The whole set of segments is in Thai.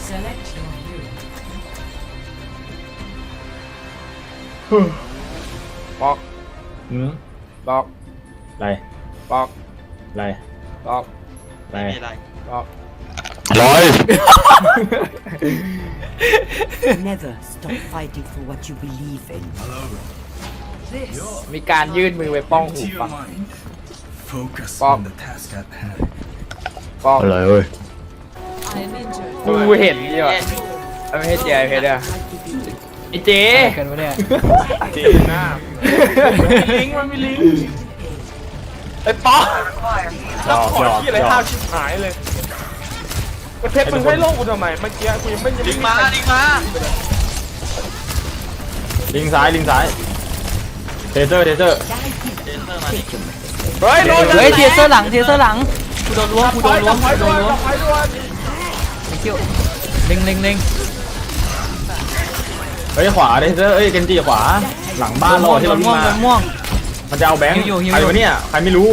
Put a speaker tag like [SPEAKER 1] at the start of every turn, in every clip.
[SPEAKER 1] บอก บอก
[SPEAKER 2] อะไร
[SPEAKER 1] บอก
[SPEAKER 2] อะไร
[SPEAKER 1] บอก
[SPEAKER 2] อะไร
[SPEAKER 3] ไม่มีอะไร
[SPEAKER 1] บอก
[SPEAKER 2] ร้อย
[SPEAKER 4] Never stop fighting for what you believe in.
[SPEAKER 1] มีการยื่นมือไปป้องหู
[SPEAKER 5] Empty
[SPEAKER 1] ฟั
[SPEAKER 5] your
[SPEAKER 1] ง
[SPEAKER 5] mind. Focus
[SPEAKER 1] Bob.
[SPEAKER 5] on the task at hand.
[SPEAKER 1] บอก
[SPEAKER 2] อะไรเว้ย
[SPEAKER 1] กูเห็นนี่ว่ะไม่ให้เจ๊เพชรอะไอเจ๊
[SPEAKER 6] กันวะเนี่ย
[SPEAKER 1] เจ๊หน้าลิงมันมีลิงไอ้ป๊อกแล้วขอที่อะไรห้าวชิบหายเลยเพชรมึงให้โลกกูทำไมเมื่อกี้กูยังไม่
[SPEAKER 3] ลิงมาลิงมา
[SPEAKER 2] ลิงซ้ายลิงซ้ายเทเซอร์เทเซอร์
[SPEAKER 3] เจนเซอร์มาดิ
[SPEAKER 1] เฮ้ยโดน
[SPEAKER 6] เฮ้ยเทเซอร์หลังเทเซอร์หลังกูโดนล้วงกูโดนล้วงกูโดนล้วง
[SPEAKER 1] ไปด้วย
[SPEAKER 6] ไอ้เกี้ยวเล็งเล็งเล็ง
[SPEAKER 2] เฮ้ยขวาเทเซอร์เอ้ยเกนจิขวาหลังบ้านเราที่เราวิ่ง
[SPEAKER 6] ม่วง
[SPEAKER 2] มา
[SPEAKER 6] ม่วง
[SPEAKER 2] มันจะเอาแบงค์
[SPEAKER 6] หิวอยู่
[SPEAKER 2] ใครวะเนี่ยใครไม่รู้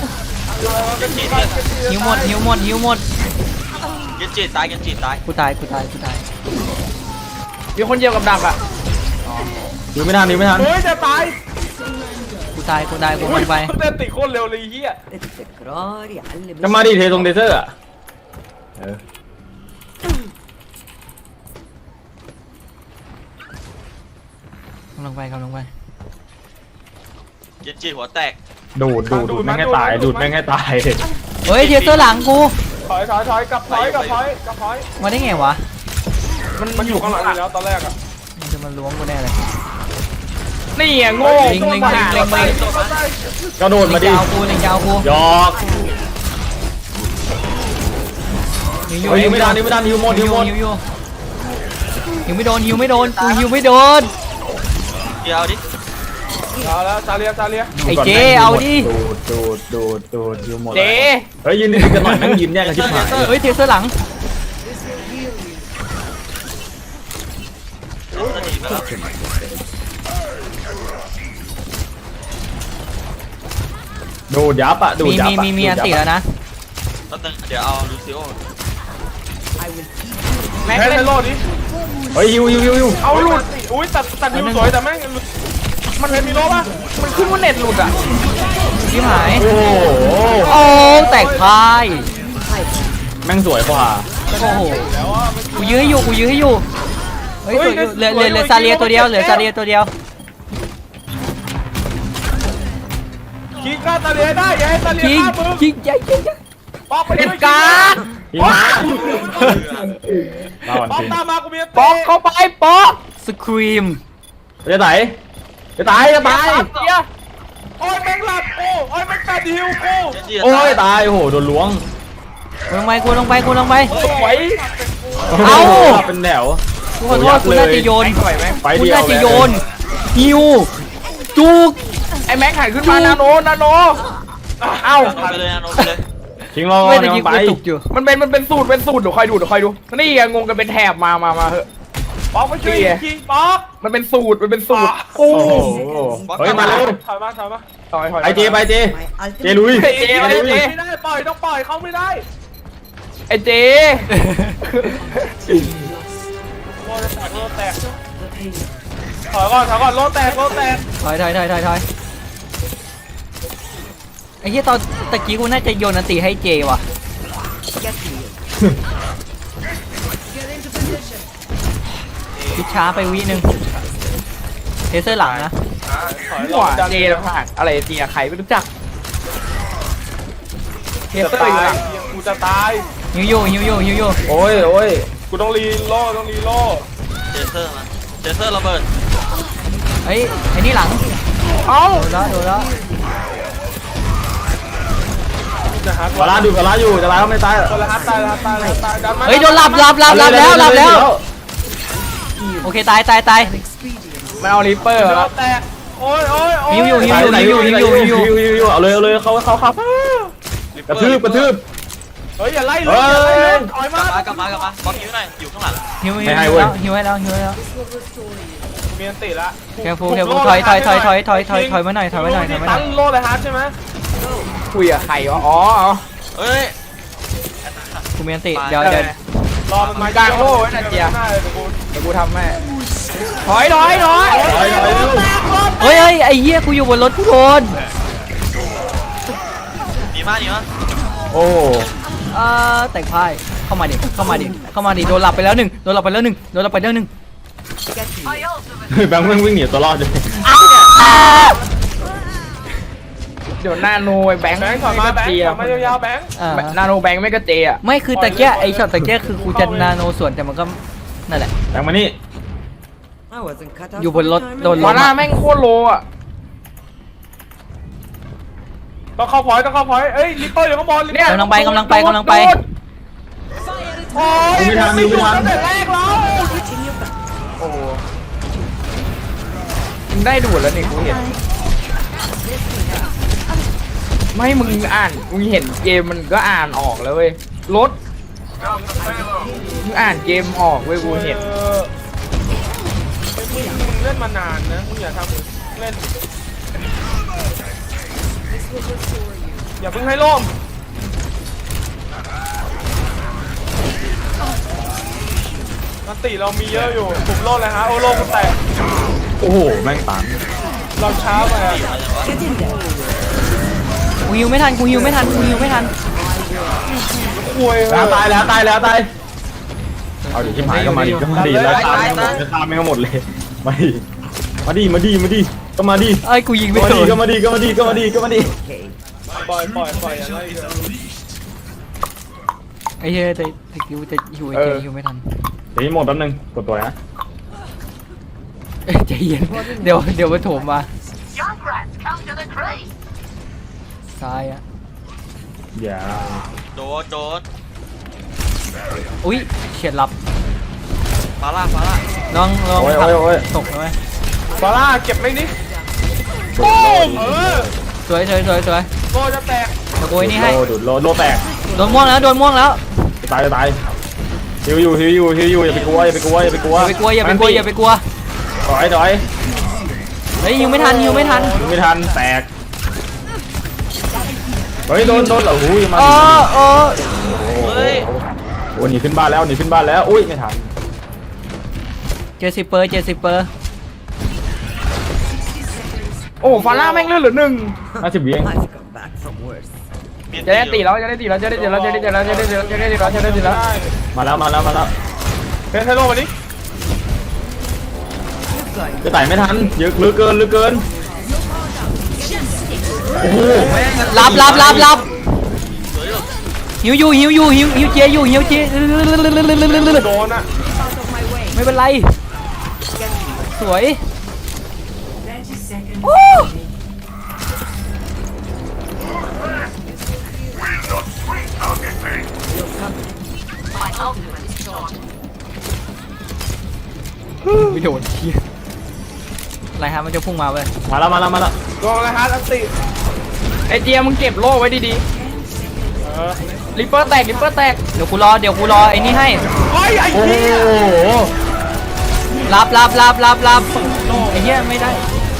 [SPEAKER 6] หิวหมดหิวหมดหิวหมด
[SPEAKER 3] เกนจิตายเกนจิตาย
[SPEAKER 6] กูตายกูตายกูตาย
[SPEAKER 1] มีคนเดียวกับดักอ่ะ
[SPEAKER 2] ดูไม่ทันดูไม่ทัน
[SPEAKER 1] เฮ้ยจะตาย
[SPEAKER 6] กูตายกูตายกูมันไป
[SPEAKER 1] เต้นติโคตรเร็วเลยเฮีย
[SPEAKER 4] التكرار يعلم
[SPEAKER 2] จะมาดิเทตรงเทเซอร์อะเออก
[SPEAKER 6] ำลังไปกำลังไป
[SPEAKER 3] เกนจิหัวแตก
[SPEAKER 2] ดูดแม่งให้ตายดูดแม่งให้ตาย
[SPEAKER 6] เฮ้ยเทเซอร์หลังกู
[SPEAKER 1] ถอยกลับถอย
[SPEAKER 6] มาได้ไงวะ
[SPEAKER 1] มันอยู่ข้างหลังอยู่แล้วตอนแรกอ่ะ
[SPEAKER 6] มันจะมาล้วงกูแน่เลย
[SPEAKER 1] นี่อ่ะโง่
[SPEAKER 6] ลิงลิงลิงลิงลิง
[SPEAKER 2] กระโดดมาดิ
[SPEAKER 6] ยาวกูเล็งยาวกู
[SPEAKER 2] หยอก
[SPEAKER 6] หิว
[SPEAKER 2] เฮ้ยยิงไม่ทันยิงไม่ทันยิงหมดยิงหมด
[SPEAKER 6] หิวอยู่หิวไม่โดนหิวไม่โดนกูหิวไม่โดน
[SPEAKER 3] เดี๋ยวดิ
[SPEAKER 1] เอาแล้วซาเลีย
[SPEAKER 6] ไอ้เจ๊เอาดิ
[SPEAKER 2] ดูดยิงหมด
[SPEAKER 1] เจ๊
[SPEAKER 2] เฮ้ยยืนดีกันหน่อยแม่งยิ้มแยกกันชิบหาย
[SPEAKER 6] เฮ้ยเทเซอร์หลัง
[SPEAKER 3] เจนเซอร์หนีไปแล้ว
[SPEAKER 2] ดูดยับอะดูดยับอะ
[SPEAKER 6] มีอันติแล้วนะ
[SPEAKER 3] แป๊บนึงเดี๋ยวเอาลูซิโอ
[SPEAKER 1] แม็กเล่นโลดดิ
[SPEAKER 2] เฮ้ยฮิว
[SPEAKER 1] เอาหลุดอุ้ยตัดนิวสวยแต่แม่งมันเคยมีโลป่ะมันขึ้นว่าเน็ตหลุดอ่ะ
[SPEAKER 6] ชิบหาย
[SPEAKER 2] โอ้โห
[SPEAKER 6] โอ้แตกพาย
[SPEAKER 2] แม่งสวยกว่า
[SPEAKER 6] โอ้โหกูยื้อให้อยู่กูยื้อให้อยู่เฮ้ยเหลือซาเลียตัวเดียวเหลือซาเลียตัวเดียว
[SPEAKER 1] คิกหน้าซาเลียได้อย่าให้ซาเลีย
[SPEAKER 6] ยิง
[SPEAKER 1] ฆ่ามึง
[SPEAKER 6] ยิงยิงยิง
[SPEAKER 1] ป๊อกไป
[SPEAKER 6] เด็ด
[SPEAKER 1] ด้วย
[SPEAKER 6] กา
[SPEAKER 2] พี่มาเราอ่อน
[SPEAKER 1] ป๊อก
[SPEAKER 2] จริง
[SPEAKER 1] ตามมากูมี
[SPEAKER 6] ป๊อกเข้าไปป๊อกสครีม
[SPEAKER 2] จะตายจะตาย
[SPEAKER 1] โอ้ยแม่งหลับโอ้ยแม่งตัดฮิวกู
[SPEAKER 3] เกนจิ
[SPEAKER 2] โอ้ยตายโอ้โหโดนล้วง
[SPEAKER 6] กูลงไปกูลงไปกูลงไป
[SPEAKER 1] สวย
[SPEAKER 6] เอ้า
[SPEAKER 2] เป็นแถว
[SPEAKER 6] กูขอโทษกูน่าจะโยน
[SPEAKER 1] สวยไหม
[SPEAKER 2] ไป
[SPEAKER 6] กู
[SPEAKER 2] เดียว
[SPEAKER 6] น่าจะโยนฮิวจุก
[SPEAKER 1] ไอ้แม็กหันขึ้นมานาโนเอ้า
[SPEAKER 3] โนไปเลยนะโนไปเลย
[SPEAKER 2] ทิ้งรอ
[SPEAKER 6] ไม่ได้ยิง
[SPEAKER 2] ไป
[SPEAKER 6] กูตุกอยู่
[SPEAKER 1] มันเป็นสูตรเดี๋ยวคอยดูนี่ไงงงกันเป็นแถบมาเหอะป๊อกไม่ช่วยจริงป๊อกมันเป็นสูตรกู
[SPEAKER 2] โอ้โหเฮ้ยมาเร็ว
[SPEAKER 1] ถอยมาถอย
[SPEAKER 2] ไอเจไปเจ
[SPEAKER 4] My
[SPEAKER 2] เจลุย
[SPEAKER 1] เจไม่ได้ปล่อยต้องปล่อยเขาไม่ได้ไอ้เจโลแตกถอยก่อนโลแตก
[SPEAKER 6] ถอยไอ้เหี้ยตอนตะกี้กูน่าจะโยนอันติให้เจว่ะพิชช้าไปวินึงเทเซอร์หลังนะ
[SPEAKER 1] หัวเจแล้วผ่านอะไรเจียใครไม่รู้จักเทเตอร์อยู่หลังกูจะตาย
[SPEAKER 6] ฮิวอยู่
[SPEAKER 2] โอ้ย
[SPEAKER 1] กูต้องรีโล่
[SPEAKER 3] เจนเซอร์มาเจนเซอร์ระเบิด
[SPEAKER 6] เฮ้ยไอ้นี่หลัง
[SPEAKER 1] เอ้า
[SPEAKER 6] โดนแล้ว
[SPEAKER 2] กาลาดูกาลาอยู่จะลาเขาไม่ตาย
[SPEAKER 1] คนละฮัตตายดันมา
[SPEAKER 6] เฮ้ยโดนหลับแล้วโอเคตาย
[SPEAKER 1] มันเอาริปเปอร์แล้วแตกโอ้ย
[SPEAKER 6] ฮิวอยู่
[SPEAKER 2] เอาเลยเขากระทืบ
[SPEAKER 1] เฮ้ยอย่าไล่เลยถอยมาก
[SPEAKER 3] ลับมาบอลฮิวหน่อยอยู่ข้างหลัง
[SPEAKER 6] ฮิวให้แล้ว
[SPEAKER 1] มีอันติละ
[SPEAKER 6] แคฟูถอยมาหน่อย
[SPEAKER 1] ตั้งโลเลยฮาร์ดใช่ไหมคุยกับใครวะอ๋อ
[SPEAKER 3] เฮ้ย
[SPEAKER 6] กูมีอันติเดี๋ยว
[SPEAKER 1] รอมันมาก
[SPEAKER 7] ลางโล่ไว้นะเจีย
[SPEAKER 1] หน้าเลยเดี๋ยวกู
[SPEAKER 7] เดี๋ยวกูทำให้ถอย
[SPEAKER 2] ถอยเร็ว
[SPEAKER 6] เฮ้ยไอ้เหี้ยกูอยู่บนรถกูโดน
[SPEAKER 3] หนีมาหนีมา
[SPEAKER 2] โอ้
[SPEAKER 6] แต่งพ่ายเข้ามาดิเข้ามาดิโดนหลับไปแล้วหนึ่งโดนหลับไปแล้วหนึ่ง
[SPEAKER 2] แบงค์วิ่งหนีตัวรอดเลย
[SPEAKER 7] เดี๋ยวนาโนไอ้แบงค์
[SPEAKER 1] แบงค์ถอยมาแบงค์
[SPEAKER 7] เจีย
[SPEAKER 1] ถอยมายาวๆแบงค์
[SPEAKER 7] นาโนแบงค์ไม่ก็เจอ่ะ
[SPEAKER 6] ไม่คือตะเกียไอ้ช็อตตะเกียคือกูจะนาโนส่วนแต่มันก็นั่นแหละ
[SPEAKER 2] แบงค์มานี่
[SPEAKER 4] I wasn't cut out
[SPEAKER 6] อยู่บนรถ
[SPEAKER 4] for the
[SPEAKER 6] โดน
[SPEAKER 4] time
[SPEAKER 7] วาน่าแม่งโคตรโลอ่ะ
[SPEAKER 1] ต้องเข้าพอยต์เอ้ยลิปเปอร์อยู่ข้างบนลิปเปอร์
[SPEAKER 6] กำลังไป
[SPEAKER 1] โอ้ย
[SPEAKER 2] ไม่ทันไม่ทัน
[SPEAKER 1] ตั้งแต่แรกแล้ว
[SPEAKER 7] โอ้โหมึงได้ดูดแล้วนี่กูเห็นไม่มึงอ่านมึงเห็นเกมมันก็อ่านออกแล้วเว้ยรถมึงอ่านเกมออกเว้ยกูเห็น
[SPEAKER 1] มึงเล่นมานานนะมึงอย่าทำเล่นอย่าเพิ่งให้ล่มนัตติเรามีเยอะอยู่ผมโลดเลยฮะโอ้โลกกูแตก
[SPEAKER 2] โอ้โหแม่งตัน
[SPEAKER 1] เราช้าไปอะ
[SPEAKER 6] กูฮิวไม่ทัน
[SPEAKER 1] คุย
[SPEAKER 2] ตายแล้วเอาดิชิบหายก็มาดิแล้วตายจะตามไม่ก็หมดเลยมาดิก็มาดิ
[SPEAKER 6] เอ้ยกูยิงไม่
[SPEAKER 2] ก็
[SPEAKER 6] โดน
[SPEAKER 2] มาดิ
[SPEAKER 1] ปล่อยอย่าไล่เยอะ
[SPEAKER 6] ไอ้เหี้ยแต่ฮิวจะฮิวไอ้เจฮิวไม่ทัน
[SPEAKER 2] เดี๋ยวหมดแป๊บนึงกดตัวนะ
[SPEAKER 6] ใจเย็นเดี๋ยวมาโถมมาซ้ายอ่ะ
[SPEAKER 2] อย่า
[SPEAKER 3] โดน
[SPEAKER 6] อุ้ยเฉียดหลับ
[SPEAKER 3] ฟาร่า
[SPEAKER 6] ลอง
[SPEAKER 2] โอ้ย
[SPEAKER 6] ตกเลย
[SPEAKER 1] ฟาร่าเก็บไม่นี่
[SPEAKER 2] โด
[SPEAKER 1] เออ
[SPEAKER 6] สวย
[SPEAKER 1] โลจะแตก
[SPEAKER 6] ตะโกยนี่ให้
[SPEAKER 2] ดโลแตก
[SPEAKER 6] โดนม่วงแล้ว
[SPEAKER 2] ตายฮิวอยู่อย่าไปกลัว
[SPEAKER 6] อย่าไปกลัว
[SPEAKER 2] ถอย
[SPEAKER 6] เฮ้ยฮิวไม่ทัน
[SPEAKER 2] ไม่ทันแตกเฮ้ยโดนเหรอหูยมา
[SPEAKER 3] เฮ้ย
[SPEAKER 2] โอ้หนีขึ้นบ้านแล้วอุ้ยไม่ทัน
[SPEAKER 6] 70 เปอร์
[SPEAKER 7] โอ้ฟาร่าแม่งเลือดเหลือหนึ่ง
[SPEAKER 2] 50 วิเอง
[SPEAKER 4] I've come back from worse.
[SPEAKER 7] จะได้ตีแล้ว
[SPEAKER 2] มาแล้ว
[SPEAKER 1] เพชรให้โลมาดิ
[SPEAKER 2] จะไต่ไม่ทันเยอะเหลือเกินโอ้โห
[SPEAKER 6] รับหิวเจอยู่
[SPEAKER 1] โดนอ่ะ
[SPEAKER 6] ไม่เป็นไรสวย ไม่โดนเชี่ยอะไรฮะมันจะพุ่งมาเว้ย
[SPEAKER 2] มาแล้ว
[SPEAKER 1] โดนอะไรฮะอันติ
[SPEAKER 7] ไอเจียมึงเก็บโล่ไว้ดี
[SPEAKER 1] เออ
[SPEAKER 7] ๆริปเปอร์แตก
[SPEAKER 6] เดี๋ยวกูรอไอ้นี่ให้
[SPEAKER 1] โอ้ยไอ้
[SPEAKER 2] โอ้โห
[SPEAKER 1] เหี้ย
[SPEAKER 6] รับไอ้เหี้ยไม่ได้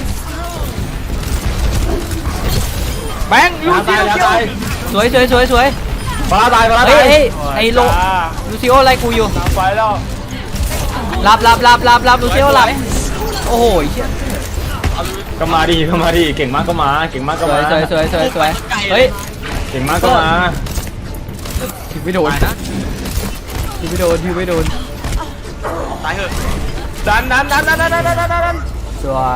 [SPEAKER 7] แบงค์ลูกเจียว
[SPEAKER 2] ตาย
[SPEAKER 6] สวย
[SPEAKER 2] ปลาตาย
[SPEAKER 6] เฮ้ยไอ้โลลูซิโอไล่กูอยู่
[SPEAKER 1] ไปแล้ว
[SPEAKER 6] รับลูซิโอหลับโอ้โหเชี่ย
[SPEAKER 2] ก็มาดิเก่งมากก็มา
[SPEAKER 6] สวยเฮ้ย
[SPEAKER 2] เก่งมากก็มา
[SPEAKER 6] ถึงไม่โดน
[SPEAKER 3] ตายเหอะ
[SPEAKER 1] ดัน
[SPEAKER 6] สวย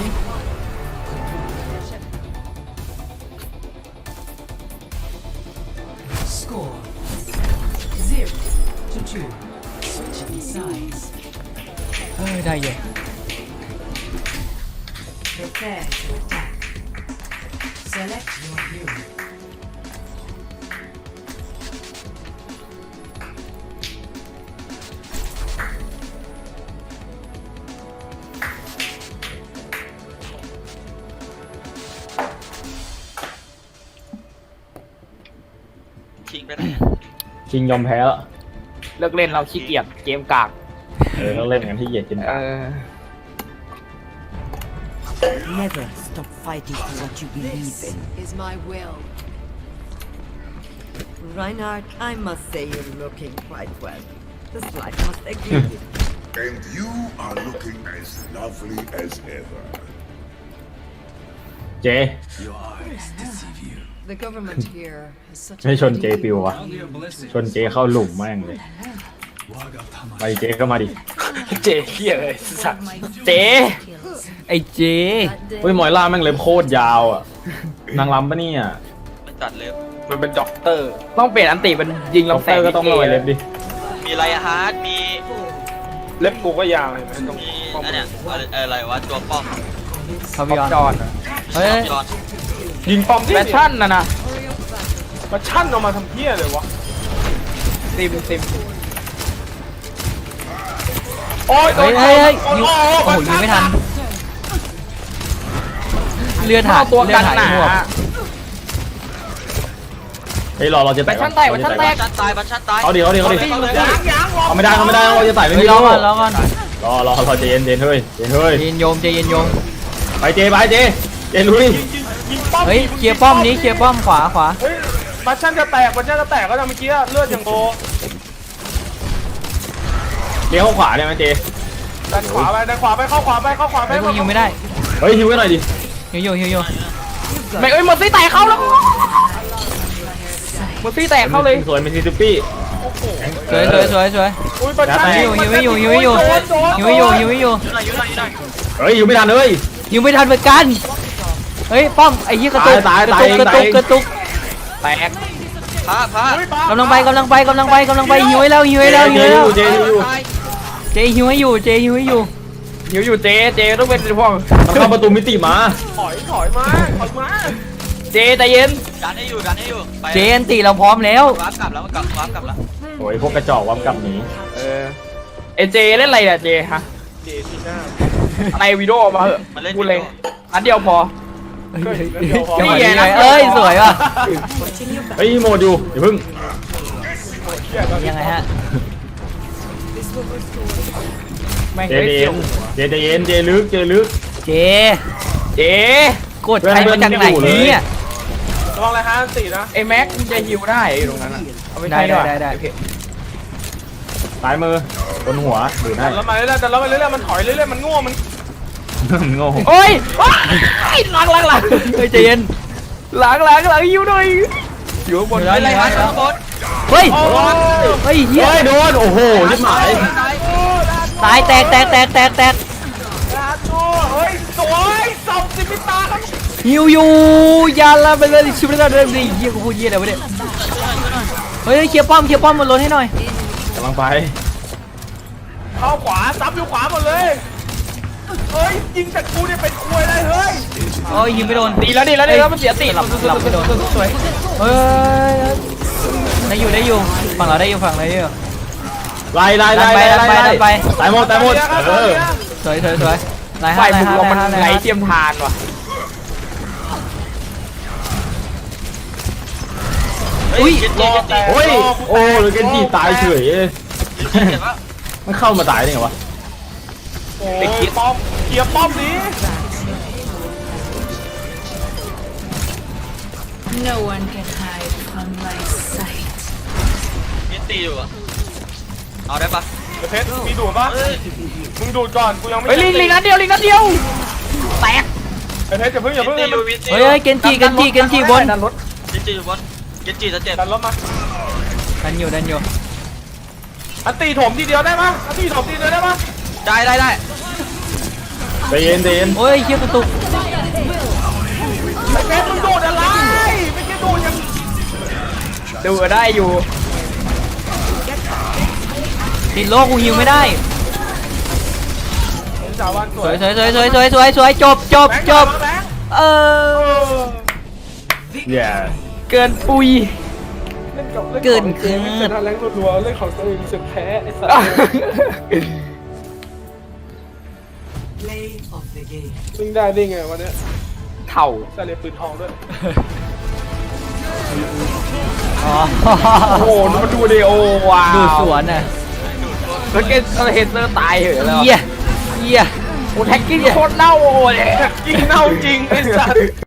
[SPEAKER 5] Score 0-2. Switching sides.
[SPEAKER 6] เฮ้ยได้เยอะ
[SPEAKER 5] Prepare to attack. Select your hero.
[SPEAKER 3] คิงไปไหน
[SPEAKER 2] คิงยอมแพ้แล้ว
[SPEAKER 7] เลิกเล่นเราขี้เกียจเกมกาก
[SPEAKER 2] ต้องเล่นกันที่เหยียดกิน
[SPEAKER 4] Never stop fighting for what you believe
[SPEAKER 8] This
[SPEAKER 4] in.
[SPEAKER 8] is my will.
[SPEAKER 4] Reinhardt, I must say you're looking quite well. The slide must agree.
[SPEAKER 8] And you are looking as lovely as ever.
[SPEAKER 2] เจ
[SPEAKER 5] The government here has such
[SPEAKER 2] ไม่ชนเจปิววะชนเจเข้าหลุมแม่งเลยไปเจก็มาดิ
[SPEAKER 1] เจเฮียเลยสัตว์
[SPEAKER 7] เจ
[SPEAKER 6] ไอ้เจ
[SPEAKER 2] เฮ้ยมอยล่าแม่งเล็บโคตรยาวอ่ะนางรำปะเนี่ย
[SPEAKER 3] มันจัดเล็บ
[SPEAKER 1] มันเป็นด็อกเตอร์
[SPEAKER 7] ต้องเปลี่ยนอันติเป็นยิง
[SPEAKER 2] ด็อก
[SPEAKER 7] ลำแส
[SPEAKER 2] เตอง ร์ก็ต้องมาไว้เล็บดิ
[SPEAKER 3] มีไรฮาร์ดมี
[SPEAKER 1] เล็บกูก็ยาวเลยมันต้อง
[SPEAKER 3] มีอันเนี้ยอะไรวะตัวป้อม
[SPEAKER 6] พา
[SPEAKER 7] บ
[SPEAKER 6] วิ
[SPEAKER 7] อ
[SPEAKER 6] ออน
[SPEAKER 7] จอน
[SPEAKER 6] เฮ้ย
[SPEAKER 3] ยอน
[SPEAKER 1] ยิงป้อมที่
[SPEAKER 7] แฟชั่นนะ
[SPEAKER 1] มาชั่นออกมาทำเพี้ยเลยวะ
[SPEAKER 7] ซิม
[SPEAKER 1] โอ้ย
[SPEAKER 6] เฮ้ยเฮ้ยเฮ้ยยิงโอ้โหยิงไม่ทันเลือดหาย
[SPEAKER 7] ตัว
[SPEAKER 6] เลือ
[SPEAKER 7] กั
[SPEAKER 6] ด
[SPEAKER 7] น
[SPEAKER 6] หาย
[SPEAKER 7] หนา
[SPEAKER 6] หมวก
[SPEAKER 2] เฮ้ยเราจะ
[SPEAKER 7] แฟ
[SPEAKER 2] แตะ
[SPEAKER 7] ชั่นแตกแฟชั่นแตก
[SPEAKER 3] บัชชันตายบัชชันตาย
[SPEAKER 2] เอาดิเอาดิเอาดิ
[SPEAKER 1] ยาง
[SPEAKER 2] เอาไม่ได้เราจะไต่ไม่
[SPEAKER 6] เฮ้ย
[SPEAKER 2] มี
[SPEAKER 6] รอ
[SPEAKER 2] โล่
[SPEAKER 6] ก่อนรอก่อน
[SPEAKER 2] รอเจนเฮ้ยเจนเฮ้ย
[SPEAKER 6] เย็นโยมเจเย็นโยม
[SPEAKER 2] ไปเจลุย
[SPEAKER 1] ยิงป้อม
[SPEAKER 6] เฮ้ยเคลียร์ป้อมนี้เคลียร์ป้อมขวา
[SPEAKER 1] เฮ้ยบัชชั่นจะแตกบัชชั่นจะแตกก็จะเมื่อกี้เลือดอย่างโบ
[SPEAKER 2] เลี้ยวเข้าขวาได้ไหมเจ
[SPEAKER 1] ดันขวาไปดันขวาไปเข้าขวาไปเข้าขวาไป
[SPEAKER 6] เฮ้ยกูยิงไม่ได้
[SPEAKER 2] เฮ้ยฮิวไว้หน่อยดิ
[SPEAKER 6] ฮิวอยู่
[SPEAKER 7] ไม่เอ้ยหมดซี่แตกเข้าแล้วหมดซี่แตกเข้าเลย
[SPEAKER 2] สวยเป็นซิซิปี้
[SPEAKER 6] สวย
[SPEAKER 1] อุ้ยบัชชั่น
[SPEAKER 6] ฮิวไม่อยู่ฮิวไม่อยู่
[SPEAKER 3] อยู่ไหน
[SPEAKER 2] เฮ้ยฮิวไม่ทันเลย
[SPEAKER 6] ฮิวไม่ทันเหมือนกันเฮ้ยป้อมไอ้ยี่กระตุก
[SPEAKER 2] ตาย
[SPEAKER 6] กระตุก
[SPEAKER 7] แตก
[SPEAKER 3] พระ
[SPEAKER 6] กำลังไปฮิวให้แล้ว
[SPEAKER 2] เจอยู่
[SPEAKER 6] เจฮิวให้อยู่
[SPEAKER 7] หิวอยู่เจต้องเป็นพวก
[SPEAKER 2] มันเข้าประตูมิติมา
[SPEAKER 1] ถอยมา
[SPEAKER 7] เจใจเย็น
[SPEAKER 3] ดันให้อยู่ไป
[SPEAKER 6] เจอันติเราพร้อมแล้ว
[SPEAKER 3] วาร์ปกลับแล้วมันกลับวาร์ปกลับแล้ว
[SPEAKER 2] โอ้ยพวกกระจอกวับกลับหนี
[SPEAKER 7] เอเจเล่นอะไรเนี่ยเจฮะ
[SPEAKER 1] เจทีหน้า
[SPEAKER 7] อะไรวิดีโอมาเหอะ
[SPEAKER 3] มันเล่น
[SPEAKER 7] พูดเลยอันเดียวพอ
[SPEAKER 6] จังหวะนี้
[SPEAKER 7] นี่ไง
[SPEAKER 6] เอ้ยสวยว่ะ
[SPEAKER 2] เฮ้ยโมดอยู่อย่าพึ่ง
[SPEAKER 6] ยังไงฮะ
[SPEAKER 7] แม่ง
[SPEAKER 2] เจ
[SPEAKER 7] เฮ้ย
[SPEAKER 2] เย็นเจลึก
[SPEAKER 6] เจ
[SPEAKER 7] เจ
[SPEAKER 6] กดใครมาจากไหนเนี่ย
[SPEAKER 1] ระวังเลยฮะตีนะ
[SPEAKER 7] ไอ้แม็กมึงจะฮิวได้ไอ้ตรงนั้นอ่ะเอาไม่ใช่
[SPEAKER 6] ได้
[SPEAKER 7] โอเค
[SPEAKER 2] ซ้ายมือบนหัวดูได้
[SPEAKER 1] ดันแล้วมาเรื่อยๆดันแล้วมาเรื่อยๆมันถอยเรื่อยๆมันง่วงมัน
[SPEAKER 2] โง่
[SPEAKER 7] โอ้ยหลัง
[SPEAKER 6] เฮ้ยใจเย็น
[SPEAKER 7] หลังฮิวหน่อยอยู่บน
[SPEAKER 6] เดี๋ยว
[SPEAKER 3] ไรฮาร์ดข้างบน
[SPEAKER 6] เฮ้ย
[SPEAKER 1] โอ้ย
[SPEAKER 6] เฮ้ยเฮีย
[SPEAKER 2] เฮ้ยโดนโอ้โหชิบหาย
[SPEAKER 6] ตายแตก
[SPEAKER 1] ลาโต้เฮ้ยสวยสับสิมิตาครับ
[SPEAKER 6] ฮิวอยู่ยาลาไปเลยชิบะเลยเฮียกูพูดเฮียอะไรวะเนี่ยเฮ้ยเคลียร์ป้อมบนรถให้หน่อย
[SPEAKER 2] กำลังไป
[SPEAKER 1] เข้าขวาซับอยู่ขวาหมดเลยเฮ้ยยิงจากกูเนี่ยเป็นควยได้เฮ้ย
[SPEAKER 6] โอ้ยยิงไม่โดน
[SPEAKER 7] ดีแล้วมันเสียติ
[SPEAKER 6] หลับไม่โดน
[SPEAKER 7] สวย
[SPEAKER 6] เฮ้ยได้อยู่ฝั่งเราได้อยู่ฝั่งเราได้อยู่
[SPEAKER 2] ไล่
[SPEAKER 6] ดันไป
[SPEAKER 2] ตายหมด
[SPEAKER 6] สวยไล่
[SPEAKER 7] ฝ่า
[SPEAKER 6] ห้าย
[SPEAKER 7] บุกเรามันไหลเทียมทานว่ะ
[SPEAKER 3] อุ้ยเจ็ด
[SPEAKER 2] โอ้ยโอ้หรือเกนจิตายเฉย
[SPEAKER 3] เจ็บปะ
[SPEAKER 2] มันเข้ามาตายได้ไงวะ
[SPEAKER 1] โอ้ยป้อมเคลียร์ป้อมนี้
[SPEAKER 5] No one can hide from my sight.
[SPEAKER 3] มีตีอยู่อ่ะเอาได้ปะ
[SPEAKER 1] เดี๋ยวเพชรมีดูดปะมึงดูดก่อนกูยังไม่
[SPEAKER 7] เฮ้ยลิงนัดเดียวแตก
[SPEAKER 1] ไอ้เพชรอย่าเพิ่ง
[SPEAKER 3] มีตีอยู่มีตี
[SPEAKER 6] เฮ้ยเกนจิบน
[SPEAKER 7] ดันรถ
[SPEAKER 3] มีตีอยู่บนเจ็ดจีจะเจ็บ
[SPEAKER 1] ดันรถมา
[SPEAKER 6] ดันอยู่
[SPEAKER 1] อันตีถมทีเดียวได้ปะอันตีถมทีเดียวได้ปะ
[SPEAKER 3] ได้
[SPEAKER 2] ใจเย็น
[SPEAKER 6] โอ้ยเฮียกระตุก
[SPEAKER 1] ไอ้เพชรมึงดูดอะไรไม่ใช่ดูดอย่าง
[SPEAKER 7] ดูได้อยู่
[SPEAKER 6] ติดโลกูฮิวไม่ได้
[SPEAKER 1] จ่าวันส
[SPEAKER 6] ส
[SPEAKER 1] ว
[SPEAKER 6] วย ยจบ
[SPEAKER 1] แบงค์แบงค์
[SPEAKER 6] เออ
[SPEAKER 2] แย่
[SPEAKER 7] เกินปุย
[SPEAKER 6] เกิน
[SPEAKER 1] เล่นแรงรัวๆเล่นของตัวเองรู้สึกแพ้ไอ้สัส
[SPEAKER 5] Play of the game.
[SPEAKER 1] ซึ่งได้ไงวันนี้
[SPEAKER 7] เถ่า
[SPEAKER 1] ใส่เลยปืนทองด้วย
[SPEAKER 6] อ๋อ
[SPEAKER 7] โอ้โหมันดูดิโอว้าว
[SPEAKER 6] ดูสวนน่ะ
[SPEAKER 7] แล้วเกนเฮเซอร์ตายเหรอแล้ว
[SPEAKER 6] เฮีย
[SPEAKER 7] โอ้แท็กกิ้งโคตรเน่าโอ้เลย
[SPEAKER 1] ยิงเน่าจริงไอ้สัส